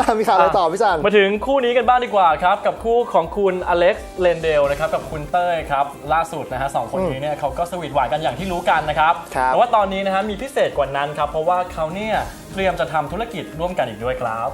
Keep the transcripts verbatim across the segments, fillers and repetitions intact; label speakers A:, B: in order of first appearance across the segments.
A: มีข่าวอะไรต่อพี่จัน
B: มาถึงคู่นี้กันบ้างดีกว่าครับกับคู่ของคุณอเล็กซ์เลนเดลนะครับกับคุณเต้ยครับล่าสุดนะฮะสองคนนี้เนี่ยเขาก็สวีทหวานกันอย่างที่รู้กันนะครับแต่ว่าตอนนี้นะฮะมีพิเศษกว่านั้นครับเพราะว่าเขาเนี่ยเตรียมจะทำธุรกิจร่วมกันอีกด้วยครับ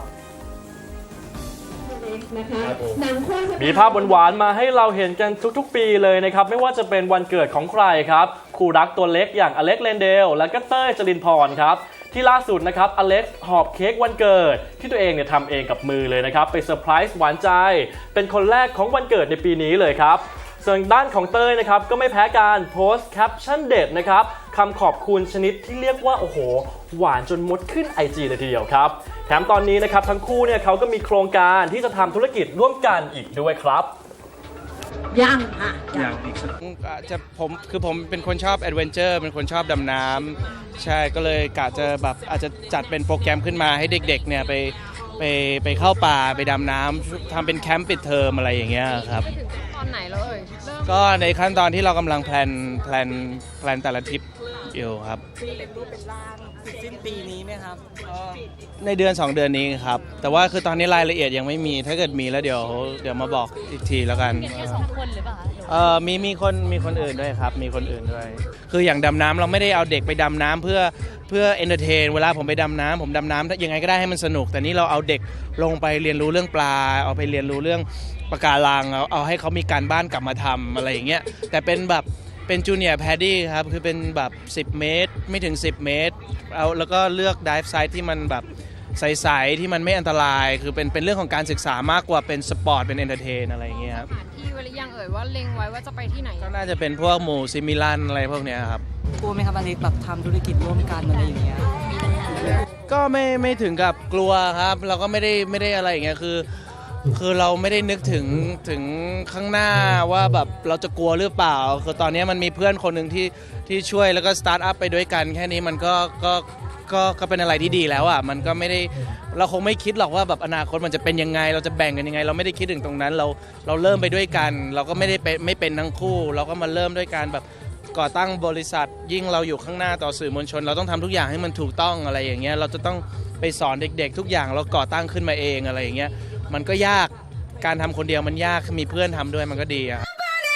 B: มีภาพหวานๆมาให้เราเห็นกันทุกๆปีเลยนะครับไม่ว่าจะเป็นวันเกิดของใครครับคู่รักตัวเล็กอย่างอเล็กซ์เลนเดลและก็เต้ยจรินพรครับที่ล่าสุดนะครับอเล็กซ์หอบเค้กวันเกิดที่ตัวเองเนี่ยทำเองกับมือเลยนะครับไปเซอร์ไพรส์หวานใจเป็นคนแรกของวันเกิดในปีนี้เลยครับส่วนด้านของเต้ยนะครับก็ไม่แพ้การโพสต์แคปชั่นเด็ดนะครับคำขอบคุณชนิดที่เรียกว่าโอ้โหหวานจนมดขึ้น ไอ จี เลยทีเดียวครับแถมตอนนี้นะครับทั้งคู่เนี่ยเขาก็มีโครงการที่จะทำธุรกิจร่วมกันอีกด้วยครับ
C: ยังอ่ะ
D: อย่างอีกสักจะผมคือผมเป็นคนชอบแอดเวนเจอร์เป็นคนชอบดำน้ำใช่ก็เลยกะจะแบบอาจจะจัดเป็นโปรแกรมขึ้นมาให้เด็กๆเนี่ยไปไปไปเข้าป่าไปดำน้ำทำเป็นแคมป์ปิดเทอมอะไรอย่างเงี้ยครับ
C: ไปถึงตอนไหนแล้วเอ่ย
D: ก็ในขั้นตอนที่เรากำลังแพลนแพลนแพลนแต่ละทริปอยู่ครับ
E: เป็นรูปเป็นร่างสิ้นปีนี้ไหมครับ
D: ในเดือนสองเดือนนี้ครับแต่ว่าคือตอนนี้รายละเอียดยังไม่มีถ้าเกิดมีแล้วเดี๋ยวเดี๋ยวมาบอกอีกทีแล้วกัน
C: แค่สองคนหรือเปล่า
D: เออมีมีคนมีคนอื่นด้วยครับมีคนอื่นด้วยคืออย่างดำน้ำเราไม่ได้เอาเด็กไปดำน้ำเพื่อเพื่อเอนเตอร์เทนเวลาผมไปดำน้ำผมดำน้ำยังไงก็ได้ให้มันสนุกแต่นี่เราเอาเด็กลงไปเรียนรู้เรื่องปลาเอาไปเรียนรู้เรื่องปะการังเอาเอาให้เขามีการบ้านกลับมาทำอะไรอย่างเงี้ยแต่เป็นแบบเป็นจูเนียร์แพดดี้ครับคือเป็นแบบสิบเมตรไม่ถึงสิบเมตรเอาแล้วก็เลือกไดฟ์ไซต์ที่มันแบบใสๆที่มันไม่อันตรายคือเป็นเป็นเรื่องของการศึกษามากกว่าเป็นสปอร์ตเป็นเอนเตอร์เทนอะไรอย่างเงี้ยครับ
C: ที่วยังเอ่ยว่าเล็งไว้ว่าจะไปที่ไหน
D: ก็น่าจะเป็นพวกหมู่ซิมิลันอะไรพวกเนี้ยครับ
E: กลัวไหมครับอเล็กแบบทำธุรกิจร่วมกันอะไรอย่างเงี้ย
D: ก็ไม่ไม่ถึงกับกลัวครับเราก็ไม่ได้ไม่ได้อะไรอย่างเงี้ยคือคือเราไม่ได้นึกถึงถึงข้างหน้าว่าแบบเราจะกลัวหรือเปล่าคือตอนนี้มันมีเพื่อนคนหนึ่งที่ที่ช่วยแล้วก็สตาร์ทอัพไปด้วยกันแค่นี้มันก็ก็ก็ก็เป็นอะไรที่ดีแล้วอ่ะมันก็ไม่ได้เราคงไม่คิดหรอกว่าแบบอนาคตมันจะเป็นยังไงเราจะแบ่งกันยังไงเราไม่ได้คิดถึงตรงนั้นเราเราเริ่มไปด้วยกันเราก็ไม่ได้เป็นไม่เป็นทั้งคู่เราก็มาเริ่มด้วยการแบบก่อตั้งบริษัทยิ่งเราอยู่ข้างหน้าต่อสื่อมวลชนเราต้องทำทุกอย่างให้มันถูกต้องอะไรอย่างเงี้ยเราจะต้องไปสอนเด็กๆทุกอย่างเราก่อตั้งขึ้นมาเองอะไรอย่างเงี้ยมันก็ยากการทำคนเดียวมันยากมีเพื่อนทำด้วยมันก็ดีอะ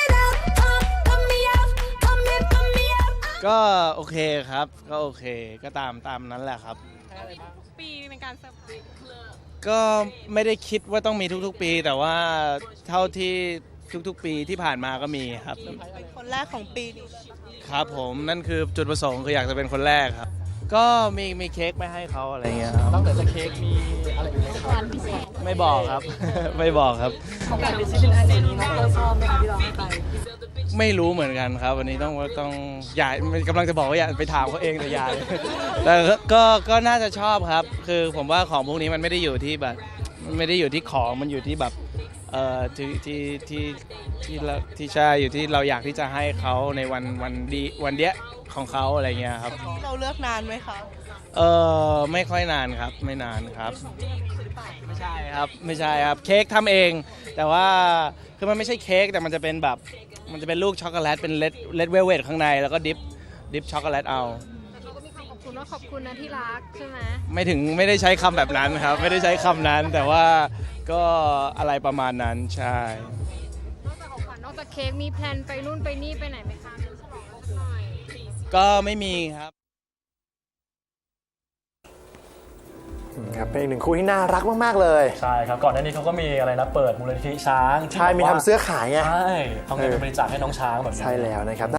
D: ก็โอเคครับก็โอเคก็ตามตามนั้นแหละครับ
C: ปีในการเซอร์ไพรส์
D: ก็ไม่ได้คิดว่าต้องมีทุกๆปีแต่ว่าเท่าที่ทุกๆปีที่ผ่านมาก็มีครับ
E: เป็นคนแรกของปีนี้
D: ครับผมนั่นคือจุดประสงค์คืออยากจะเป็นคนแรกครับก็มีมีเค้กไม่ให้เขาอะไรเงี้ยครับ
B: นอกจากเค้กมีอะไรอีกไหมครับ
D: ไม่บอกครับ ไม่บอกครับ
E: ของการเป็นชิ้นอันนี้น้องชอบไหมคะที่เราให้ไป
D: ไม่รู้เหมือนกันครับวันนี้ต้องต้องอย่ากำลังจะบอกว่าอย่าไปถามเขาเองแต่อย่าแต่ก็ก็น่าจะชอบครับคือผมว่าของพวกนี้มันไม่ได้อยู่ที่แบบมันไม่ได้อยู่ที่ของมันอยู่ที่แบบเอ่อที่ที่ที่ที่ที่ใช่อยู่ที่เราอยากที่จะให้เขาในวันวันดีวันเดียของเขาอะไรเงี้ยครับ
E: เราเลือกนานไหมคะ
D: เออไม่ค่อยนานครับไม่นานครับไม่ใช่ครับไม่ใช่ครับเค้กทำเองแต่ว่าคือมันไม่ใช่เค้กแต่มันจะเป็นแบบมันจะเป็นลูกช็อกโกแลตเป็นเลดเลดเวลเวทข้างในแล้วก็ดิฟดิฟช็อกโกแลตเอา
C: เขาก็มีคำขอบคุณว่าขอบคุณนะที่รักใช่ไหม
D: ไม่ถึงไม่ได้ใช้คำแบบนั้นครับไม่ได้ใช้คำนั้นแต่ว่าก็อะไรประมาณนั้นใช่
C: นอกจากของขวัญนอกจากเค้กมีแพลนไปนู่นไปนี่ไปไหนไหมคะ
D: ก็ไม่มีครับ
A: ครับเป็นอีกหนึ่งคู่ที่น่ารักมากๆเลย
B: ใช่ครับก่อนหน้านี้เขาก็มีอะไรนะเปิดมูลนิธิช้าง
A: ใช่มีทำเสื้อขายไง
B: ใช่เอาเงินไปบริจาคให้น้องช้างแบบนี้
A: ใช่แล้วนะครับ